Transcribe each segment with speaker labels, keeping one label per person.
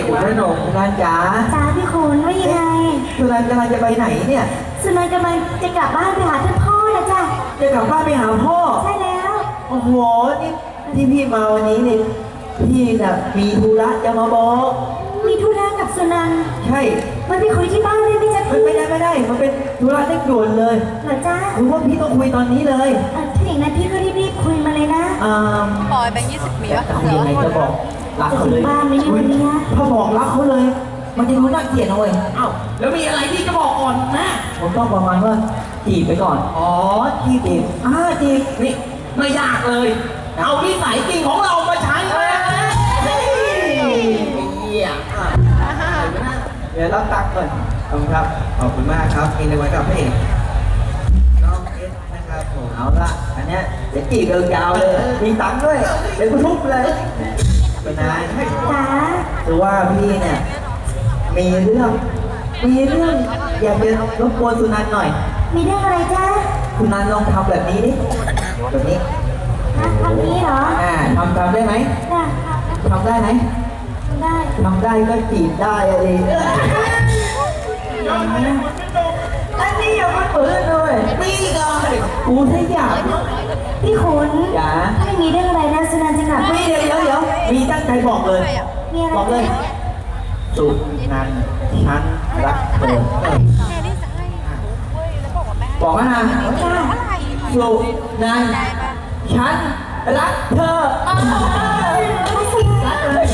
Speaker 1: คุณพระนงสุนันจ๋า
Speaker 2: จ้าพี่คุณว่ายังไง
Speaker 1: สุนันกำลังจะไปไหนเนี่ย
Speaker 2: สุนันกำลังจะกลับบ้านไปหาท่านพ่อนะจ้ะ
Speaker 1: จะกลับบ้านไปหาพ่อ
Speaker 2: ใช่แล้ว
Speaker 1: โอ้โหนี่ที่พี่มาวันนี้นี่พี่น่ะมีธุระจะมาบอก
Speaker 2: มีธุระกับสุนัน
Speaker 1: ใช่
Speaker 2: มันไปคุยที่บ้านได้ไหมจ๊ะพี่
Speaker 1: ไม่ได้มันเป็นธุระเร่งด่วนเลย
Speaker 2: เหรอจ้า
Speaker 1: คือว่าพี่ต้องคุยตอนนี้เลย
Speaker 2: ถ้าอย่างนั้นพี่ก็รีบคุยมาเลยนะ
Speaker 3: ปอยแบงค์20มีวะ
Speaker 1: ยังไงจะบอกรักเขาเลย
Speaker 2: บ้านไม่วันนี้
Speaker 1: ถ้าบอกรักเขาเลยมันจะรู้น่าเกลียดนะเว้ย
Speaker 4: อ้าวแล้วมีอะไรที่จะบอกก่อนนะ
Speaker 1: ผมต้องประมาณว่าจีบไปก่อน
Speaker 4: อ๋อจีบ
Speaker 1: จีบ
Speaker 4: นี่ไม่ยากเลยเอานิสัยจริงของเรามาใช้เลย
Speaker 1: เดี๋ยวรับตังค์ก่อน
Speaker 4: ขอบคุณครับขอบคุณมากครับมีในวันกับพระเอกน้องเอสนะครับผม
Speaker 1: เอาละอันเนี้ยเดี๋ยวจีบยาวเลยมีตังค์ด้วยเดี๋ยวกูทุบเลยเป็นไง
Speaker 2: จ้า
Speaker 1: คือว่าพี่เนี่ยมีเรื่องอยากจะรบกวนสุนันท์หน่อย
Speaker 2: มีเรื่องอะไรจ้า
Speaker 1: สุนันท์ลองทำแบบนี้ดิแบบนี้
Speaker 2: ทำนี้เหรอ
Speaker 1: ทำได้ไหมทำได้ไหม
Speaker 2: ได้
Speaker 1: ทำได้ก็จีบได้อะไรอันนี้อย่ามาเปิดเลย
Speaker 4: นี่เลย
Speaker 1: กูถ้าอยาก
Speaker 2: พี่ขุน
Speaker 1: อย่า
Speaker 2: ไม่มีเรื่องอะไรนะสุนันท์จะกลับ
Speaker 1: ไม่เดี๋ยวมีตั้งใจบอกเลยบอกเลยสุนันท์ฉันรักเธอบอกว่านะสุนันท์ฉันรักเธอรักเลย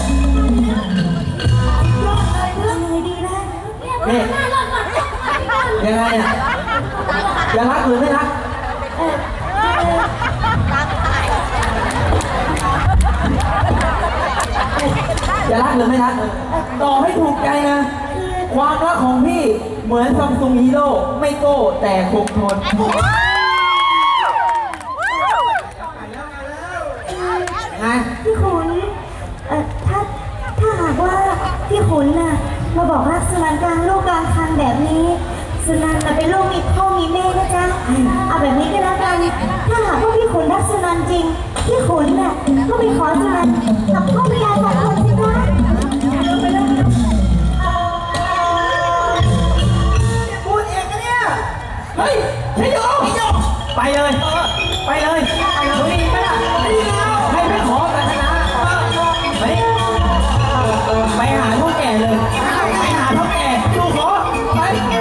Speaker 1: นี่ยังไงอ่ะจะรักหรือไม่รักจะรักหรือไม่รักต่อให้ถูกใจนะความรักของพี่เหมือนซัมซุงฮีโร่ไม่โก้แต่คงทนไง
Speaker 2: พี่ขุนถ้าหากว่าพี่ขุนน่ะมาบอกรักสุนันท์กลางโลกกลางทางแบบนี้สุนันท์เป็นลูกมีพ่อมีแม่นะจ๊ะเอาแบบนี้ก็แล้วกันถ้าหากว่าพี่ขุนรักสุนันท์จริงพี่ขุนน่ะก็ไปขอสุนันท์กับพ่อพญาสองคนสิจ๊ะ
Speaker 4: พูดเองนะเนี่ยเฮ้ยชัยโย
Speaker 1: ไปเลยให้ไปขอศาสนาไปหาพ่อแก่เลยไปหาพ่อแก่ดูขอไป